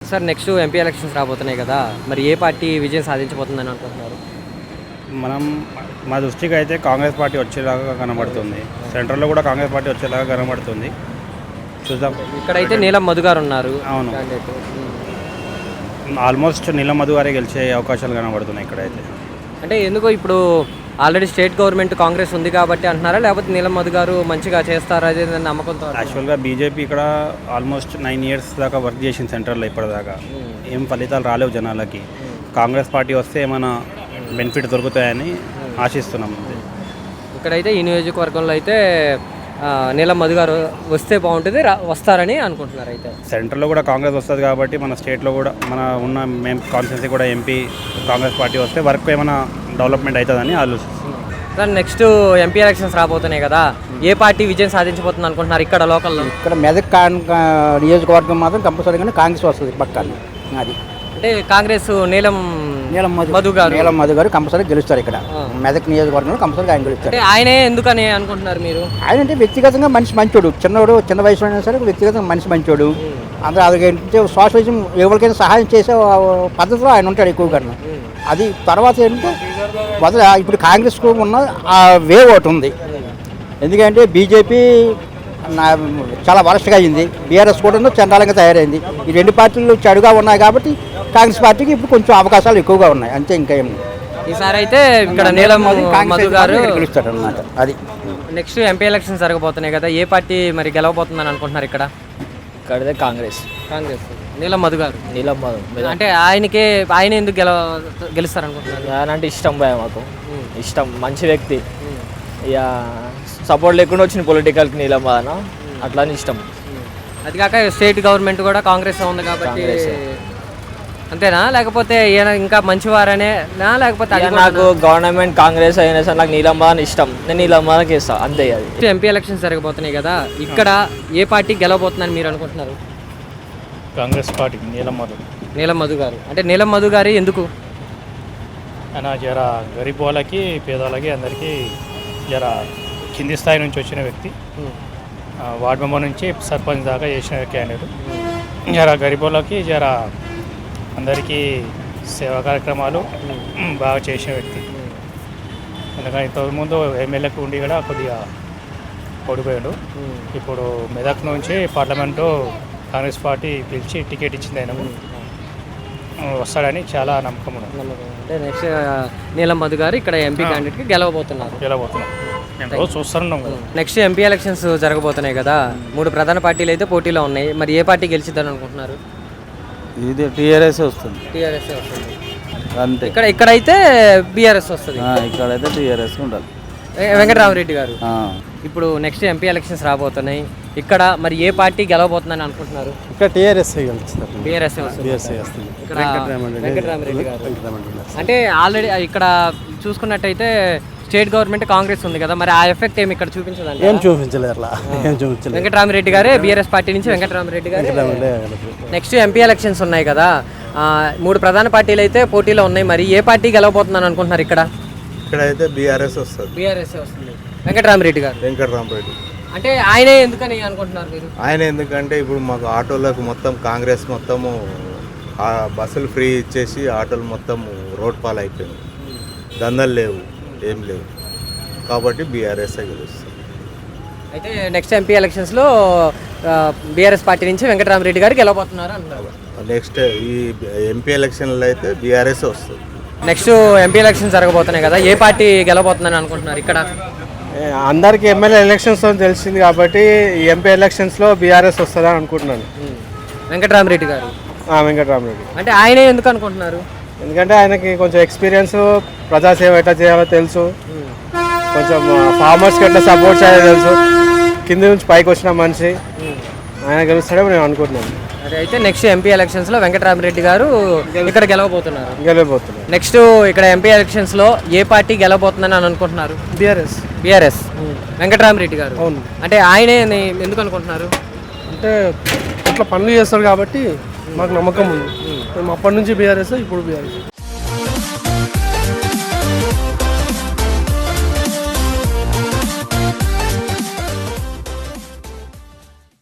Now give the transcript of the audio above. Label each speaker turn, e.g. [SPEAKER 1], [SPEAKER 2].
[SPEAKER 1] Sir next MP elections రాబోతున్నాయి కదా, మరి ఏ పార్టీ విజయం సాధించబోతుందని అనుకుంటున్నారు?
[SPEAKER 2] మా దృష్టికి అయితే కాంగ్రెస్ పార్టీ వచ్చేలాగా కనబడుతుంది. సెంట్రల్లో కూడా కాంగ్రెస్ పార్టీ వచ్చేలాగా కనబడుతుంది. చూద్దాం.
[SPEAKER 1] ఇక్కడైతే నీలం మధు గారు ఉన్నారు.
[SPEAKER 2] అవును, ఆల్మోస్ట్ నీలం మధు గారే గెలిచే అవకాశాలు కనబడుతున్నాయి ఇక్కడైతే.
[SPEAKER 1] అంటే ఎందుకో ఇప్పుడు ఆల్రెడీ స్టేట్ గవర్నమెంట్ కాంగ్రెస్ ఉంది కాబట్టి అంటున్నారా, లేకపోతే నీలం మధు గారు మంచిగా చేస్తారా అదే నమ్మకంతో?
[SPEAKER 2] యాక్చువల్గా బీజేపీ ఇక్కడ ఆల్మోస్ట్ 9 years దాకా వర్క్ చేసింది సెంట్రల్లో. ఇప్పటిదాకా ఏం ఫలితాలు రాలేవు జనాలకి. కాంగ్రెస్ పార్టీ వస్తే ఏమైనా బెనిఫిట్ దొరుకుతాయని ఆశిస్తున్నాం.
[SPEAKER 1] ఇక్కడైతే ఈ నియోజకవర్గంలో అయితే నీలం మధు గారు వస్తే బాగుంటుంది, వస్తారని అనుకుంటున్నారు. అయితే
[SPEAKER 2] సెంట్రల్లో కూడా కాంగ్రెస్ వస్తుంది కాబట్టి మన స్టేట్లో కూడా మన ఉన్న మేము కాన్స్టిట్యున్సీ కూడా ఎంపీ కాంగ్రెస్ పార్టీ వస్తే వర్క్ ఏమైనా డెవలప్మెంట్ అవుతుందని ఆలోచిస్తున్నాం.
[SPEAKER 1] సార్ నెక్స్ట్ ఎంపీ ఎలక్షన్స్ రాబోతున్నాయి కదా, ఏ పార్టీ విజయం సాధించబోతుంది అనుకుంటున్నారు ఇక్కడ లోకల్లో?
[SPEAKER 3] ఇక్కడ మెదక్ నియోజకవర్గం మాత్రం కంపల్సరీగానే కాంగ్రెస్ వస్తుంది పక్కన. అది
[SPEAKER 1] అంటే కాంగ్రెస్ నీలం మధు
[SPEAKER 3] గారు కంపల్సరీ గెలుస్తారు. ఇక్కడ మెదక్ నియోజకవర్గంలో కంపల్సరీగా ఆయన గెలుస్తారు.
[SPEAKER 1] అంటే ఆయనే ఎందుకని అనుకుంటున్నారు మీరు?
[SPEAKER 3] ఆయన అంటే వ్యక్తిగతంగా మనిషి మంచోడు, చిన్న వయసులో అయినా సరే వ్యక్తిగతంగా మనిషి మంచోడు. అందరూ అదేంటంటే సోషలిజం ఎవరికైనా సహాయం చేసే పద్ధతిలో ఆయన ఉంటాడు ఎక్కువగా. అది తర్వాత ఏంటంటే ఇప్పుడు కాంగ్రెస్కు ఉన్న ఆ వేవ్ ఒకటి ఉంది. ఎందుకంటే బీజేపీ చాలా వరస్ట్గా అయింది, బీఆర్ఎస్ కూడా చండాలంగా తయారైంది. ఈ రెండు పార్టీలు చెడుగా ఉన్నాయి కాబట్టి కాంగ్రెస్ పార్టీకి ఇప్పుడు కొంచెం అవకాశాలు ఎక్కువగా ఉన్నాయి, అంతే. ఇంకా ఏం
[SPEAKER 1] ఈసారి అయితే ఇక్కడ నీలం మధు గారు
[SPEAKER 3] గెలుస్తాడు అన్నమాట. అది
[SPEAKER 1] నెక్స్ట్ ఎంపీ ఎలక్షన్స్ జరగబోతున్నాయి కదా, ఏ పార్టీ మరి గెలవబోతుందని అనుకుంటున్నారు ఇక్కడ?
[SPEAKER 4] ఇక్కడైతే కాంగ్రెస్
[SPEAKER 1] నీలం మధు గారు. అంటే ఆయన ఎందుకు గెలుస్తారు అనుకుంటున్నారు?
[SPEAKER 4] ఆయన అంటే ఇష్టం భయ, మాకు ఇష్టం, మంచి వ్యక్తి. ఇక సపోర్ట్ లేకుండా వచ్చిన పొలిటికల్కి నీలం మధన అట్లా ఇష్టం.
[SPEAKER 1] అది కాక స్టేట్ గవర్నమెంట్ కూడా కాంగ్రెస్ ఉంది కాబట్టి అంతేనా, లేకపోతే ఈయన ఇంకా మంచివారనే, లేకపోతే
[SPEAKER 4] నాకు గవర్నమెంట్ కాంగ్రెస్ అయినా సరే నాకు నీలం మధన ఇష్టం, నేను నీలం మధనకి ఇస్తాను, అంతే. అది
[SPEAKER 1] ఎంపీ ఎలక్షన్స్ జరగబోతున్నాయి కదా, ఇక్కడ ఏ పార్టీ గెలవబోతుందని మీరు అనుకుంటున్నారు?
[SPEAKER 2] కాంగ్రెస్ పార్టీ
[SPEAKER 1] నీలం మధు గారు. అంటే నీలం మధు గారు ఎందుకు?
[SPEAKER 2] ఆయన జర గరీబ్ వాళ్ళకి పేదవాళ్ళకి అందరికీ జర కింది స్థాయి నుంచి వచ్చిన వ్యక్తి. వార్డు మెంబర్ నుంచి సర్పంచ్ దాకా చేసిన క్యాండిడేట్. జర గరీబ్ వాళ్ళకి జర అందరికీ సేవా కార్యక్రమాలు బాగా చేసిన వ్యక్తి. ఎందుకంటే ఇంతకుముందు ఎమ్మెల్యేకి ఉండి కూడా కొద్దిగా ఓడిపోయాడు. ఇప్పుడు మెదక్ నుంచి పార్లమెంటు కాంగ్రెస్ పార్టీ పిలిచి టికెట్ ఇచ్చింది, ఆయన వస్తాడని చాలా నమ్మకం ఉన్నది.
[SPEAKER 1] అంటే నెక్స్ట్ నీలం మధు గారు ఇక్కడ ఎంపీ క్యాండిడేట్కి గెలవబోతున్నారు.
[SPEAKER 2] చూస్తున్నాం కదా.
[SPEAKER 1] నెక్స్ట్ ఎంపీ ఎలక్షన్స్ జరగబోతున్నాయి కదా, 3 ప్రధాన పార్టీలు అయితే పోటీలో ఉన్నాయి. మరి ఏ పార్టీ గెలిచిద్దని అనుకుంటున్నారు?
[SPEAKER 5] ఇది టీఆర్ఎస్ వస్తుంది.
[SPEAKER 1] టీఆర్ఎస్ వస్తుంది
[SPEAKER 5] అంతే.
[SPEAKER 1] ఇక్కడైతే బీఆర్ఎస్ వస్తుంది.
[SPEAKER 5] ఇక్కడైతే టీఆర్ఎస్ ఉండాలి.
[SPEAKER 1] వెంకటరామరెడ్డి గారు. ఇప్పుడు నెక్స్ట్ ఎంపీ ఎలక్షన్స్ రాబోతున్నాయి ఇక్కడ, మరి ఏ పార్టీ గెలవబోతుందని అనుకుంటున్నారు?
[SPEAKER 5] ఇక్కడ టీఆర్ఎస్ గెలుస్తారు.
[SPEAKER 1] బీఆర్ఎస్ వస్తుంది. వెంకటరామరెడ్డి గారు. అంటే ఆల్రెడీ ఇక్కడ చూసుకున్నట్టయితే స్టేట్ గవర్నమెంట్ కాంగ్రెస్ ఉంది కదా, మరి ఆ ఎఫెక్ట్ ఏమి ఇక్కడ చూపించదండి?
[SPEAKER 5] ఏం చూపించలేదు.
[SPEAKER 1] వెంకటరామరెడ్డి గారే బీఆర్ఎస్ పార్టీ నుంచి వెంకటరామరెడ్డి గారు. నెక్స్ట్ ఎంపీ ఎలక్షన్స్ ఉన్నాయి కదా, 3 ప్రధాన పార్టీలు అయితే పోటీలో ఉన్నాయి. మరి ఏ పార్టీ గెలవబోతుందని అనుకుంటున్నారు ఇక్కడ?
[SPEAKER 6] ఇక్కడైతే బీఆర్ఎస్ వస్తుంది.
[SPEAKER 1] వెంకటరామరెడ్డి గారు. అంటే ఆయనే ఎందుకని అనుకుంటున్నారు మీరు?
[SPEAKER 6] ఆయన ఎందుకంటే ఇప్పుడు మాకు ఆటోలకు మొత్తం కాంగ్రెస్ మొత్తము బస్సులు ఫ్రీ ఇచ్చేసి ఆటోలు మొత్తం రోడ్ పాలు అయిపోయింది, దందలు లేవు, ఏం లేవు, కాబట్టి బీఆర్ఎస్ గెలుస్తుంది.
[SPEAKER 1] అయితే నెక్స్ట్ ఎంపీ ఎలక్షన్స్లో బీఆర్ఎస్ పార్టీ నుంచి వెంకటరామరెడ్డి గారు గెలవబోతున్నారు అంటున్నారు.
[SPEAKER 6] నెక్స్ట్ ఈ ఎంపీ ఎలక్షన్లో అయితే బీఆర్ఎస్ వస్తుంది.
[SPEAKER 1] నెక్స్ట్ ఎంపీ ఎలక్షన్స్ జరగబోతున్నాయి కదా, ఏ పార్టీ గెలవబోతుందని అనుకుంటున్నారు ఇక్కడ?
[SPEAKER 5] అందరికీ ఎమ్మెల్యే ఎలక్షన్స్ తెలిసింది కాబట్టి ఎంపీ ఎలక్షన్స్లో బీఆర్ఎస్ వస్తుందని అనుకుంటున్నాను.
[SPEAKER 1] వెంకటరామరెడ్డి గారు.
[SPEAKER 5] వెంకటరామరెడ్డి.
[SPEAKER 1] అంటే ఆయనే ఎందుకు అనుకుంటున్నారు?
[SPEAKER 5] ఎందుకంటే ఆయనకి కొంచెం ఎక్స్పీరియన్స్, ప్రజాసేవ ఎట్లా చేయాలో తెలుసు, కొంచెం ఫార్మర్స్కి ఎట్లా సపోర్ట్ చేయాలో తెలుసు, కింది నుంచి పైకి వచ్చిన మనిషి, ఆయన గెలుస్తాడేమో నేను అనుకుంటున్నాను.
[SPEAKER 1] అయితే నెక్స్ట్ ఎంపీ ఎలక్షన్స్లో వెంకటరామరెడ్డి గారు ఇక్కడ గెలవబోతున్నారు. నెక్స్ట్ ఇక్కడ ఎంపీ ఎలక్షన్స్లో ఏ పార్టీ గెలవబోతుందని అనుకుంటున్నారు? బీఆర్ఎస్. వెంకటరామరెడ్డి గారు.
[SPEAKER 5] అవును.
[SPEAKER 1] అంటే ఆయనే ఎందుకు అనుకుంటున్నారు?
[SPEAKER 5] అంటే అట్లా పనులు చేస్తారు కాబట్టి మాకు నమ్మకం ఉంది. మేము అప్పటి నుంచి బీఆర్ఎస్, ఇప్పుడు బీఆర్ఎస్.